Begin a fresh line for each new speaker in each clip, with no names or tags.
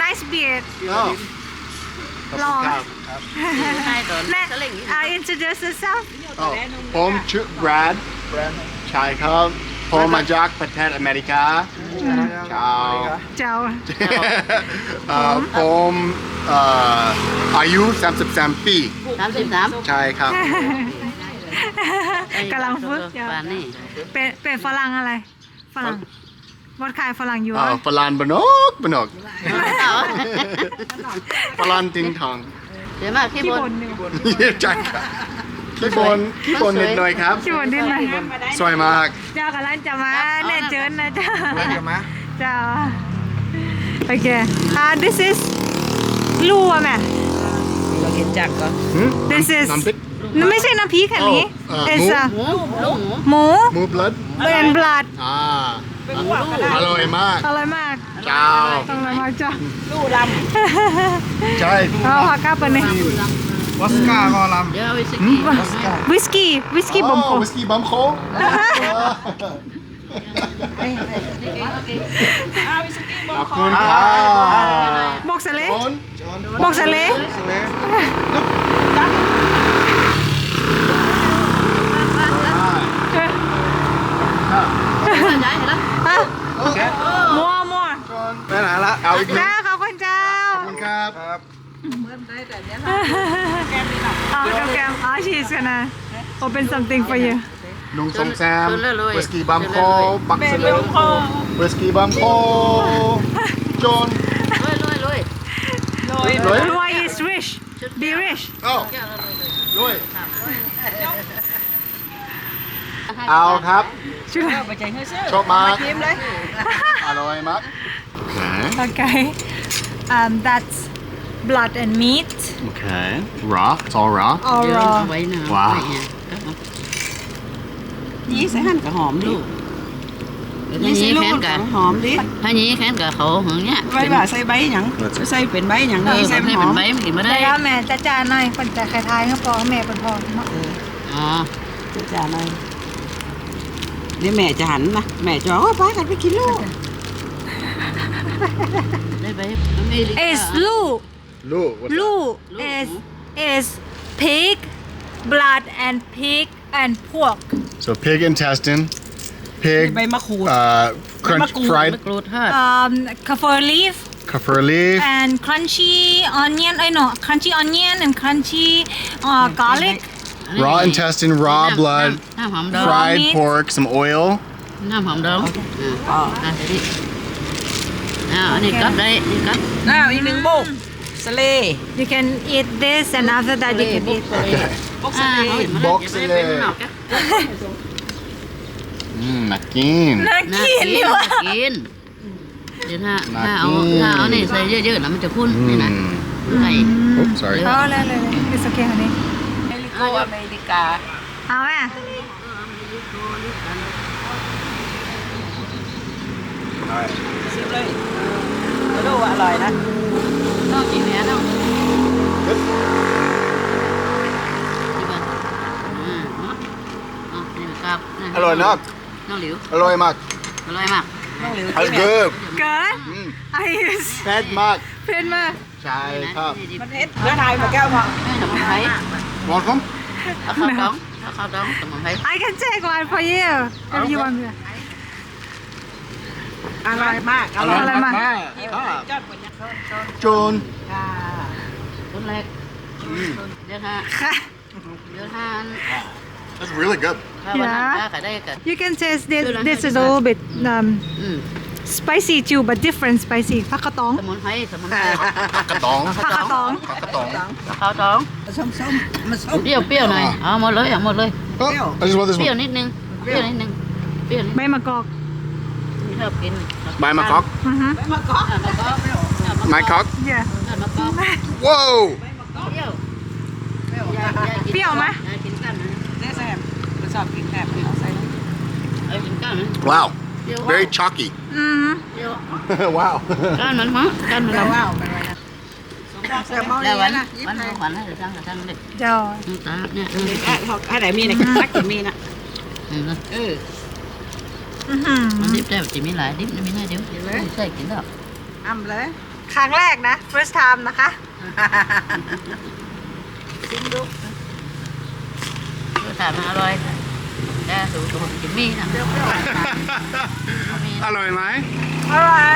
nice beard
ลอง
introduce yourself
ผมชื่อ Brad ใช่ครับผมมาจากประเทศอเมริกาชาว
เจ้า
ผมอายุ33 ปี
33
ใช่ครับ
กำลังฝึกอยู่
ป่านนี้
เป็นฝรั่งอะไรฝรั่งวัดขายฝรั่งอยู่
ฝรั่งบนกฝรั่งติงทอง
เดี๋ยวมาขี้
ที่
บบ น
นอยู่
ใช่ครับขี้บนนิดหน่อยครับ
ที่บนดินไหม
สวยมาก
เจ้ากำลังจะมาแน่เจิญนะเจ้า
มา
เจ้าโอเคthis is ลู่อะแม่
เราเห็นจักก็
this is
น้ำพริก
ไม่ใช่น้ำพริกอันนี้ it's a
หมูลูกหมู
หมู
หมูบลัด
เป็นบลัด
อร่อยมาก
อร่อยมาก
เจ้า
อร่อยมากเจ้า
ลู่ล
ใช่
เอาผักกาดไปนี่
วัสก้าก็ลำ
เดี๋ยวเอาไปสกี้
วิสกี้บอมโค
วิสกี้บัมโคขอบคุณครับ
บอกสะเละ
จน
บอกสะเละ
ย้ายเห็นแล้ว
มัว
ไปไหนละเอาอีกหนึ่ง
เจ้าขอบคุณเจ้า
ขอบคุณครับ
แกมshe's gonna open something for you
ลุงสมแซมวิสกี้บัมโคบักเซเลวิสกี้บัมโคจน
ลุย
รวย
Roy is rich be rich
เอ้า รวยเอาครับ
ช่วย
ำไปใจเฮ้ยเชื่อ
ชอบมาก
ยิ้มเลย
อร่อยมาก
Okay that's blood and meat
Okay raw it's all raw
all
เดี๋ยว
raw
ไว้นะ
ว้าว
ยี่ใส่หั่นกับหอมดิ
ลูก
ยี่
นี่
ใส่ลู
แค้
ก
นกับ
หอมดิ
ถ้านี้แค้นกับเขาอย่างเงี้ย
ไว้บ่าใส่ใบหยังใส่เป็นใบหยัง
เอ
นี่
อ
ใส่
ให้
ห
เป็
อน ม
ใบมันกินไม่ได้
แต่แล้วแม่จะจานหน่อยคนจะคล้ายๆเขาพอแม่เป็นพอ
อ๋อ
จ้าหน่อยเดี๋ยวแม่จะหันนะแม่จะว่าป้ากันไปกินลูก
ได้ใบอเมริกา
is ลูก
ลูก
ลูก is pig blood and pig and pork
so pig intestine pig
ใบมะขูด
crunch
มะกรูด
fried
มะกรูดทอด
kaffir leaf
kaffir leaf
and crunchy onion no crunchy onion and crunchy garlic
raw intestine raw blood
น้ำหอมดอง
fried
meat
pork some oil
น้ำหอมดองอันนี้กับได้นี่กับ
น้าอีกหนึ่งโบกสเล
you can eat this and after that you can eat
โบกสเล
Box เลยน่ากิน
น่า
น่า
กิน
กิน
ดีว่ะ
กินเดี๋ยวถ้าเอานี่ใส่เยอะๆแล้วมันจะพุ่นนี่นะไก่
Oops, sorry
เอาเลยเลย it's okay honey
อเมริกา
เอาแม่
ชิมเลยดูอร่อยนะ
ต้องกินเนื้อต้องนี่ครับ
อร่อยมาก
น้องหลิว
อร่อยมาก
อร่อยมาก
น้องหลิว
อร่อยเกิน
เกิด I use
แซ่บมาก
เพนมาก
ใช่ครับ
มันเอ็ดแล้วไทยมาแก้วพอ
สมุนไพร
มองครับ
เอาข้าวดองเอาข้าวดองสมุนไพร
I can take one for you if you want me
อร่อยมาก
อร่อยมาก
จอดบนยักษ์
โจน
ต้นแรกเดี๋ยวถ้า
ค่ะ
เดี๋ยวถ้า
That's really good
ถ้าวันนั้นขายได้กัน
You can taste this this is a little bit spicy too but different spicy ผักกระตอง
สมุนไพรสมุนไพร
กระตอง
ผักกระตอง
กระตอง
ข้าวดอง
ส้มๆมันส้ม
เปรี้ยวหน่อยเอาหมดเลยเอาหมดเลย
Oh, I just want this
เปรี้ยว
one
นิดนึงเปรี้ยวนิดนึงเปรี้ยวนิด
ใบมะกอก
ชอบกิน
My macaque
อือฮึ
มะกอก
My cock
yeah
มะกอก
Whoa
เปรี้ยว
เปรี้ยวไหม
กินกันนะ
ได้แซ่บมันชอบกินแซ่บเอาใส่ลง
เอากินกันนะ
Wow very chalky
อือฮึ
เปรี้ยว
Wow
กันมันมั้งกันมัน
แล้ว
มั้ง
ว้าวไปเลยนะแซ่บเมา
แล้ว
ดี
วัน
นะยิ้ม
วัน
เลย
วันให้ทางทางเด็ก
เจ้า
ตาเนี่ย
อะไรมีนะนักกินมีนะเออ
อือหือ
มันดิบได้จะมีหลายดิบมีหน้าเดียวใช่กินแล้ว
อ้ำเลย
ครั้งแรกนะ first time นะคะ
ชิมดูรสชาติมันอร่อยแต่สูตรของจิมมี่นะ
อร่อยไหม
อร่อย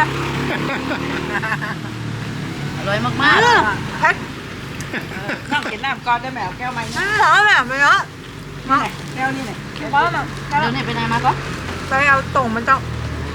อร่อยมาก
เผ็ด
น้องกินน้ำก่อนได้แม่เอาแก้วใหม่นะ
หอมแบบไม่เยอะ
แก้วนี่เนี่ย
เพราะแบบ
ๆเดี๋ยวนี้ไปไหนมาก็
ไปเอาตรงมันต้อง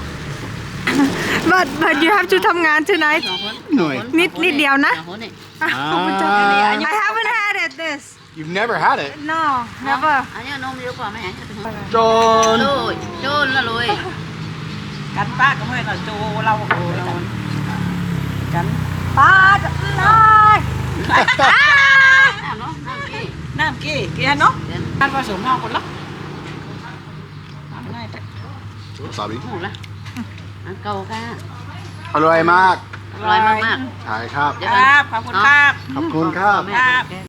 but you have to ทำงาน tonight
สองคน
หน่อย
นิดเดียวนะ
สองคนนี่
I haven't had it this
You've never had it
no never
อันนี้นมเยอะกว่าไหม
โจน
โดยโจนละเลย
กันป้าก็ไม่ให้เราโจเราโอ้ยกัน
ป้าจะเลย
น้ำเนาะน้ำกี้
น้ำกี้กินเนาะ
เดี๋ยว
การผสมน้องคนละง่าย
สาบี
หมูละอันเก่าค่ะ
อร่อยมาก
อร่อยมาก
ใช่ครับ
ๆเดี๋ยว
ค
กัน
รับขอบคุณครับ
ขอบคุณครับ
แม่
ครับ